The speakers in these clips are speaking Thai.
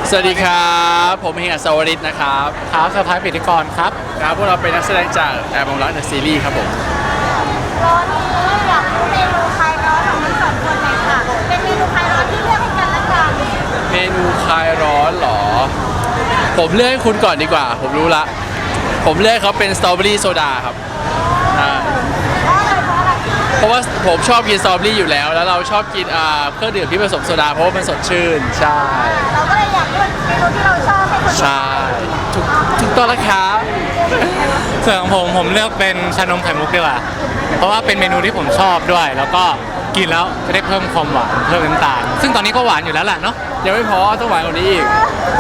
สวัสดีครับผมเฮงอัศวริศนะครับครับสภาปิติกรครับพวกเราเป็นนักแสดงจากแอร์บองรักเดอะซีรีส์ครับผมร้อนนี้อยากรู้เมนูคลายร้อนของทั้งสองคนหน่อยค่ะเป็นเมนูคลายร้อนที่เลือกให้กันและกันเมนูคลายร้อนเหรอผมเลือกให้คุณก่อนดีกว่าผมรู้ละผมเลือกเขาเป็นสตรอเบอรี่โซดาครับเพราะว่าผมชอบกินสตรอเบอรี่อยู่แล้วเราชอบกินเครื่องดื่มที่ผสมโซดาเพราะว่ามันสดชื่นใช่เราก็เลยอยากเลือกเมนูที่เราชอบให้คนใช่ถูกต้องแล้วครับส่วนของผมเลือกเป็นชานมไข่มุกดีกว่าเพราะว่าเป็นเมนูที่ผมชอบด้วยแล้วก็กินแล้วจะได้เพิ่มความหวานเพิ่มน้ำตาลซึ่งตอนนี้ก็หวานอยู่แล้วแหละเนาะยังไม่พอต้องหวานกว่านี้อีก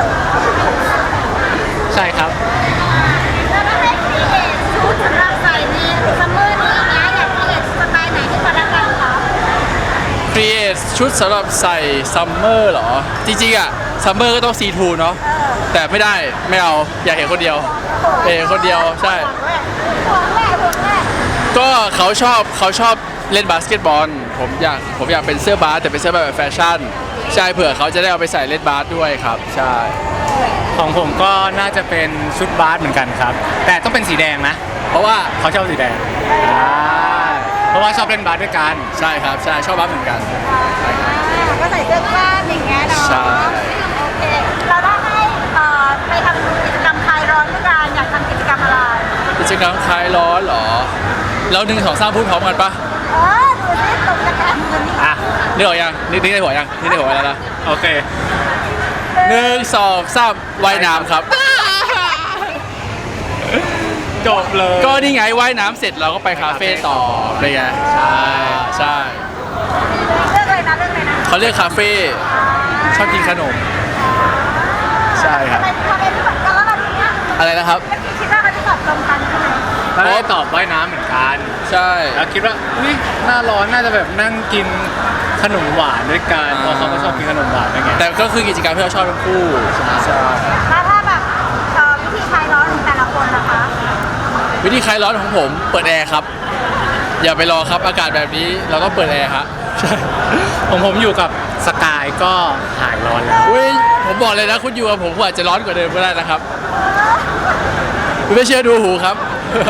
ใช่ครับแล้วก็ให้ครีเอทชุดสำหรับใส่ในซัมเมอร์นี้นะอยากครีเอทสไตล์ไหนที่กันและกันคะครีเอทชุดสำหรับใส่ซัมเมอร์เหรอจริงๆซัมเมอร์ก็ต้องซีทูเนาะแต่ไม่ได้ไม่เอาอยากเห็นคนเดียวคนเดียวใช่ห่วงแม่ก็เขาชอบเล่นบาสเกตบอลผมอยากเป็นเสื้อบาสแต่เป็นเสื้อแบบแฟชั่นใช่เผื่อเขาจะได้เอาไปใส่เล่นบาสด้วยครับใช่ของผมก็น่าจะเป็นชุดบาสเหมือนกันครับแต่ต้องเป็นสีแดงนะเพราะว่าเขาชอบสีแดงเพราะว่าชอบเล่นบาสด้วยกันใช่ครับใช่ชอบบาสเหมือนกันก็ใส่เสื้อกล้ามอย่างเงี้ยเนาะใช่โอเคเราได้ให้ไปทำกิจกรรมคลายร้อนด้วยกันอยากทำกิจกรรมอะไรกิจกรรมคลายร้อนเหรอเรา1 2 3พูดพร้อมกันปะดูสิตกจะกันมันนึกออกยังนึกในหัวยังนึกในหัวแล้วนะโอเค 1 2 3ว่ายน้ำครับจบเลยก็นี่ไงว่ายน้ำเสร็จเราก็ไปคาเฟ่ต่ออะไรเงี้ยใช่เลือกเลยนะเขาเรียกคาเฟ่ชอบกินขนมใช่ครับอะไรนะครับคิดว่าเขาจะตอบตรงกันใช่ไหมเขาตอบว่ายน้ำเหมือนกันใช่แล้วคิดว่าอุ้ยหน้าร้อนน่าจะแบบนั่งกินขนมหวานด้วยกันเพราะเขาก็ชอบกินขนมหวานด้วยไงแต่ก็คือกิจกรรมที่เราชอบทั้งคู่ใช่แล้วถ้าแบบวิธีคลายร้อนของแต่ละคนนะคะวิธีคลายร้อนของผมเปิดแอร์ครับอย่าไปรอครับอากาศแบบนี้เราต้องเปิดแอร์ครับใช่ผมอยู่กับสกายก็หายร้อนแล้วอุ้ยผมบอกเลยนะคุณอยู่กับผมอาจจะร้อนกว่าเดิมก็ได้นะครับไม่เชื่อดูหูครับ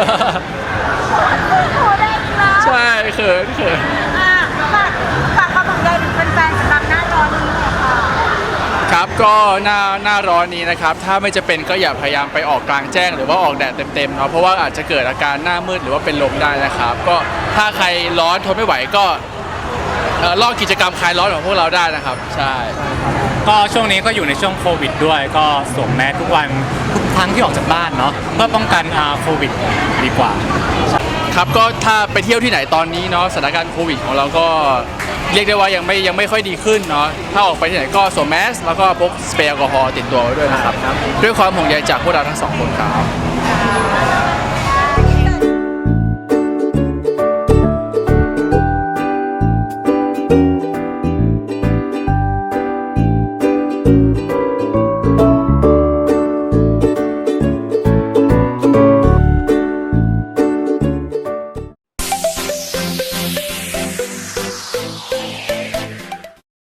ใช่เขินฝากความห่วงใยถึงแฟนๆสำหรับหน้าร้อนนี้เลยค่ะครับก็หน้าร้อนนี้นะครับถ้าไม่จะเป็นก็อย่าพยายามไปออกกลางแจ้งหรือว่าออกแดดเต็มๆเนาะเพราะว่าอาจจะเกิดอาการหน้ามืดหรือว่าเป็นลมได้นะครับก็ถ้าใครร้อนทนไม่ไหวก็ลอกกิจกรรมคลายร้อนของพวกเราได้นะครับใช่ก็ช่วงนี้ก็อยู่ในช่วงโควิดด้วยก็สวมแมสทุกวันทุกครั้งที่ออกจากบ้านเนาะเพื่อป้องกันโควิดดีกว่าครับก็ถ้าไปเที่ยวที่ไหนตอนนี้เนาะสถานการณ์โควิดของเราก็เรียกได้ว่ายังไม่ค่อยดีขึ้นเนาะถ้าออกไปที่ไหนก็สวมแมสแล้วก็พกสเปรย์แอลกอฮอล์ติดตัวไว้ด้วยนะครับด้วยความห่วงใยจากพวกเราทั้ง2 คนครับ